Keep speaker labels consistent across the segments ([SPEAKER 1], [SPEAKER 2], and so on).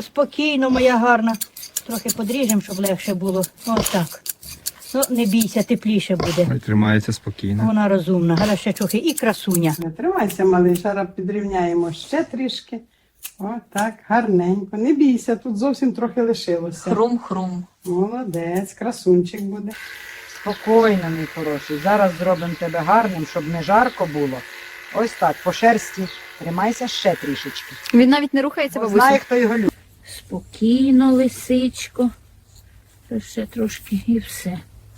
[SPEAKER 1] спокійно, моя гарна. Трохи подріжемо, щоб легше було. Ось так. Ну, не бійся, тепліше буде.
[SPEAKER 2] Ой, тримається спокійно.
[SPEAKER 1] Вона розумна. Гарна ще трохи і красуня.
[SPEAKER 3] Не тримайся, малий, зараз підрівняємо ще трішки. О, так, гарненько. Не бійся, тут зовсім трохи лишилося.
[SPEAKER 1] Хрум-хрум.
[SPEAKER 3] Молодець, красунчик буде.
[SPEAKER 4] Спокійно, мій хороший. Зараз зробимо тебе гарним, щоб не жарко було. Ось так, по шерсті. Тримайся ще трішечки.
[SPEAKER 5] Він навіть не рухається,
[SPEAKER 4] Бо
[SPEAKER 5] бабусю.
[SPEAKER 4] знає, хто його любить.
[SPEAKER 1] Спокійно, лисичко. Це ще трошки і все.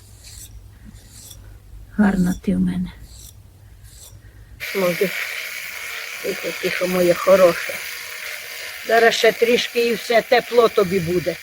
[SPEAKER 1] Гарна ти в мене. Може, тихо, тихо, моє хороше. Зараз ще трішки і все, тепло тобі буде.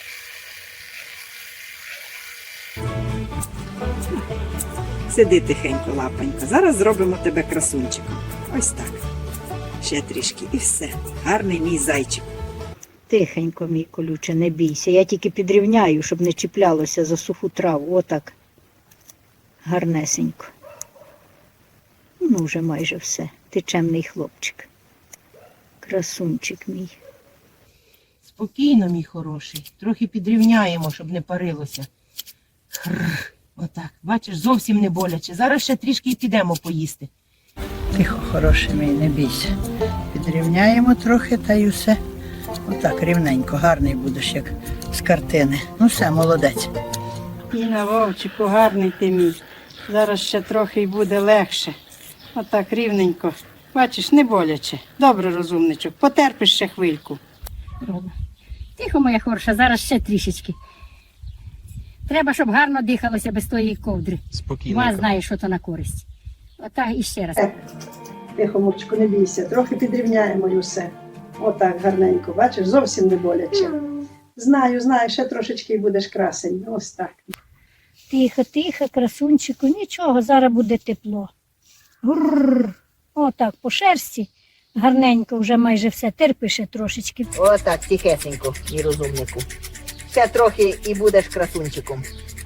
[SPEAKER 6] Сиди тихенько, лапонько. Зараз зробимо тебе красунчиком. Ось так. Ще трішки і все. Гарний мій зайчик.
[SPEAKER 1] Тихенько, мій колюче, не бійся. Я тільки підрівняю, щоб не чіплялося за суху траву. Отак. Гарнесенько. Ну, вже майже все. Ти чемний хлопчик. Красунчик мій.
[SPEAKER 7] Спокійно, мій хороший. Трохи підрівняємо, щоб не парилося. Хрррр. Отак. Бачиш, зовсім не боляче. Зараз ще трішки і підемо поїсти.
[SPEAKER 4] Тихо, хороший мій, не бійся. Підрівняємо трохи та й усе. Отак, рівненько, гарний будеш, як з картини. Ну все, молодець.
[SPEAKER 3] Іна, Вовчику, гарний ти мій. Зараз ще трохи й буде легше. Отак, рівненько. Бачиш, не боляче. Добре, розумничок. Потерпиш ще хвильку.
[SPEAKER 8] Тихо, моя хороша, зараз ще трішечки. Треба, щоб гарно дихалося без тої ковдри.
[SPEAKER 2] Спокійно.
[SPEAKER 8] Ма знає, що то на користь. Отак і ще раз.
[SPEAKER 3] Тихо, Мурчику, не бійся. Трохи підрівняємо і все. Отак, гарненько. Бачиш, зовсім не боляче. Знаю, ще трошечки і будеш красень. Ось так.
[SPEAKER 8] Тихо, тихо, красунчику, нічого, зараз буде тепло. Гурр. Отак, по шерсті. Гарненько, вже майже все. Терпи ще трошечки.
[SPEAKER 9] Отак, тихесенько, мій розумнику. Ще трохи і будеш красунчиком.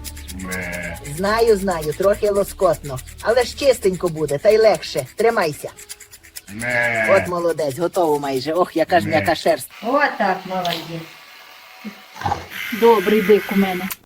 [SPEAKER 9] Знаю, трохи лоскотно. Але ж чистенько буде, та й легше. Тримайся. От молодець, готово майже. Ох, яка ж м'яка шерсть.
[SPEAKER 1] Отак, молодець. Добрий бик у мене.